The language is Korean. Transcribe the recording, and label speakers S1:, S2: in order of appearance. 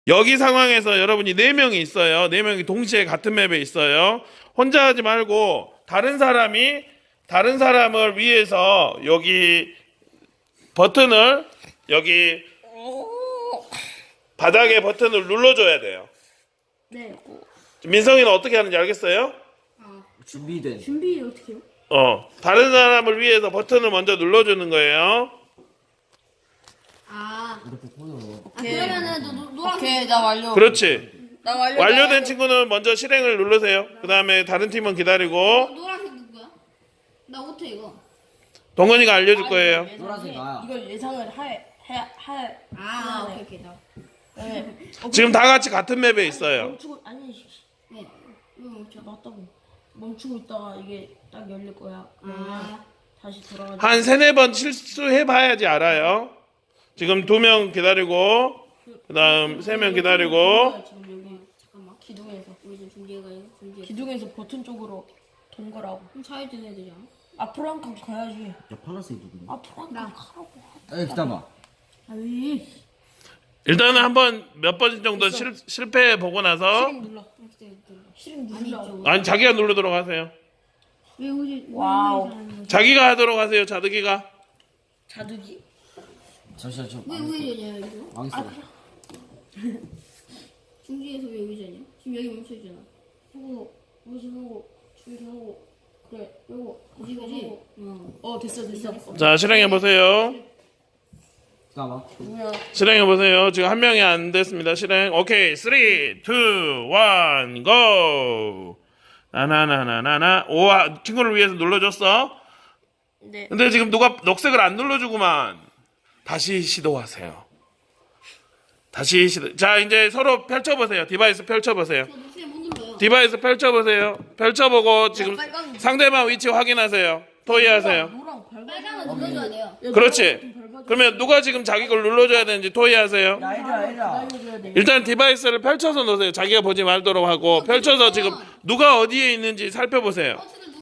S1: 여기 상황에서 여러분이 4명이 있어요. 4명이 동시에 같은 맵에 있어요. 혼자 하지 말고 다른 사람을 위해서 여기 버튼을 여기 바닥에 버튼을 눌러줘야 돼요.
S2: 네.
S1: 민성이는 어떻게 하는지 알겠어요?
S3: 준비된.
S2: 준비 어떻게 해요?
S1: 다른 사람을 위해서 버튼을 먼저 눌러주는 거예요.
S3: 이렇게 손으로.
S2: 그러면은 너 노란색.
S4: 오케이, 나 완료.
S1: 그렇지.
S4: 나 완료.
S1: 완료된 친구는 먼저 실행을 누르세요. 그 다음에 다른 팀은 기다리고
S2: 노란색 누구야? 나 못해 이거.
S1: 동건이가 알려줄 거예요.
S3: 노란색 나야.
S4: 이걸 예상을 할.
S2: 오케이 나.
S4: 네.
S1: 지금 다 같이 같은 맵에 있어요.
S4: 멈추고 아니.
S2: 네. 이거 멈춰.
S4: 맞다고. 멈추고 있다가 이게 딱 열릴 거야. 다시 돌아가.
S1: 한 3-4번 실수해봐야지 알아요. 지금 2명 기다리고 그 다음 3명 기다리고
S4: 지금 여기 잠깐만 기둥에서
S2: 우리 지금 준비해가지고 준비해.
S4: 기둥에서 버튼 쪽으로 동거라고.
S2: 그럼 좌회전 해야 되잖아.
S4: 앞으로 한 칸 가야지.
S3: 야, 파란색 누구냐?
S4: 앞으로 한 칸 가라고.
S3: 에, 기다려봐.
S4: 아이.
S1: 일단은 한번 몇 번 정도 실패해보고 나서
S4: 실행 눌러. 실행 눌러.
S1: 아니 자기가 누르도록 하세요.
S2: 왜 우리
S4: 와우.
S1: 자기가 하도록 하세요. 자드기가.
S4: 자두기.
S3: 잠시만,
S2: 왜 우회전이야 이거?
S3: 망했어.
S2: 중지에서 왜 우회전이야? 지금 여기 멈춰 있잖아.
S4: 하고 무슨하고 준비하고 그래. 요거
S2: 그지 그지?
S4: 됐어.
S1: 자 실행해보세요.
S3: 기다려봐.
S4: 뭐야?
S1: 실행해보세요. 지금 한 명이 안 됐습니다. 실행. 오케이. 3, 2, 1, GO! 나나나나나나. 오, 친구를 위해서 눌러줬어.
S4: 네.
S1: 근데 지금 누가 녹색을 안 눌러주구만. 다시 시도하세요. 다시 시도. 자, 이제 서로 펼쳐보세요. 디바이스 펼쳐보세요.
S2: 저 녹색 못 눌러요.
S1: 디바이스 펼쳐보세요. 펼쳐보고 지금
S4: 빨간
S1: 상대방 위치 확인하세요. 토의하세요.
S4: 노랑 발광.
S2: 빨강은 눌러줘야 돼요.
S1: 그렇지. 그러면 누가 지금 자기 걸 눌러줘야 되는지 토의하세요.
S4: 기다려줘야 돼.
S1: 일단 디바이스를 펼쳐서 놓으세요. 자기가 보지 말도록 하고 펼쳐서 지금 누가 어디에 있는지 살펴보세요.
S2: 버튼